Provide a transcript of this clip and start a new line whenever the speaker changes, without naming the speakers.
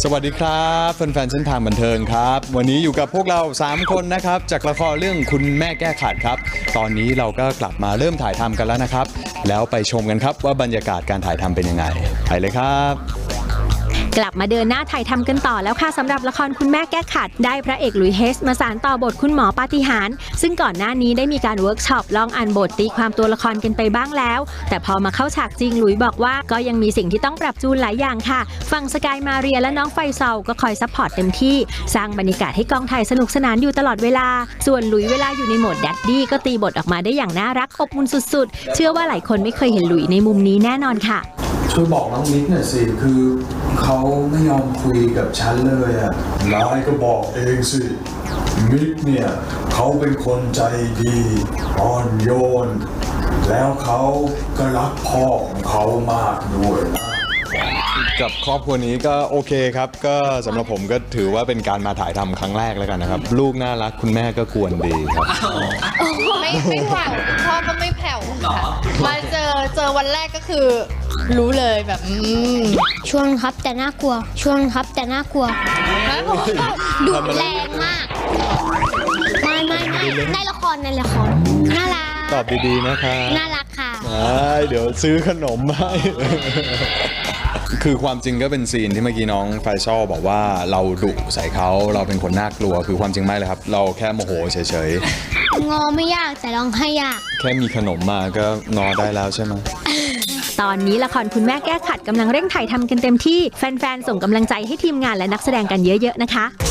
สวัสดีครับแฟนๆเส้นทางบันเทิงครับวันนี้อยู่กับพวกเรา3คนนะครับจากละครเรื่องคุณแม่แก้ขัดครับตอนนี้เราก็กลับมาเริ่มถ่ายทำกันแล้วนะครับแล้วไปชมกันครับว่าบรรยากาศการถ่ายทำเป็นยังไงไปเลยครับ
กลับมาเดินหน้าถ่ายทำกันต่อแล้วค่ะสำหรับละครคุณแม่แก้ขัดได้พระเอกหลุยส์เฮสมาสานต่อบทคุณหมอปาฏิหาริย์ซึ่งก่อนหน้านี้ได้มีการเวิร์กช็อปลองอ่านบทตีความตัวละครกันไปบ้างแล้วแต่พอมาเข้าฉากจริงหลุยส์บอกว่าก็ยังมีสิ่งที่ต้องปรับจูนหลายอย่างค่ะฝั่งสกายมาเรียและน้องไฟซอลก็คอยซัพพอร์ตเต็มที่สร้างบรรยากาศให้กองถ่ายสนุกสนานอยู่ตลอดเวลาส่วนหลุยส์เวลาอยู่ในโหมดแดดดี้ก็ตีบทออกมาได้อย่างน่ารักอบอุ่นสุดๆเชื่อว่าหลายคนไม่เคยเห็นหลุยส์ในมุมนี้แน่นอนค่ะ
ช่วยบอกน้องมิกหน่อยสิคือเขาไม่ยอมคุยกับฉันเลยอ่ะนายก็บอกเองสิมิกเนี่ยเขาเป็นคนใจดีอ่อนโยนแล้วเขาก็รักพ่อของเขามากด้วยนะ
กับครอบครัวนี้ก็โอเคครับก็สำหรับผมก็ถือว่าเป็นการมาถ่ายทำครั้งแรกแล้วกันนะครับลูกน่ารักคุณแม่ก็กวนดีครับ
ไม่แผ่วพ่อก็ไม่แผ่วค่ะมาเจอวันแรกก็คือรู้เลยแบบ
ชวนครับแต่น่ากลัวชวนครับแต่น่ากลัวดุแรงมากไม่ในละครน่ารัก
ตอบดีๆนะคะ
น่ารักค่ะ
เดี๋ยวซื้อขนมให้คือความจริงก็เป็นซีนที่เมื่อกี้น้องไฟซอลบอกว่าเราดุใส่เขาเราเป็นคนน่ากลัวคือความจริงไม่เลยครับเราแค่โมโหเฉย
ๆงอไม่ยากแต่ร้องให้ยาก
แค่มีขนมมาก็งอได้แล้วใช่ไหม
ตอนนี้ละครคุณแม่แก้ขัดกำลังเร่งถ่ายทำกันเต็มที่แฟนๆส่งกำลังใจให้ทีมงานและนักแสดงกันเยอะๆนะคะ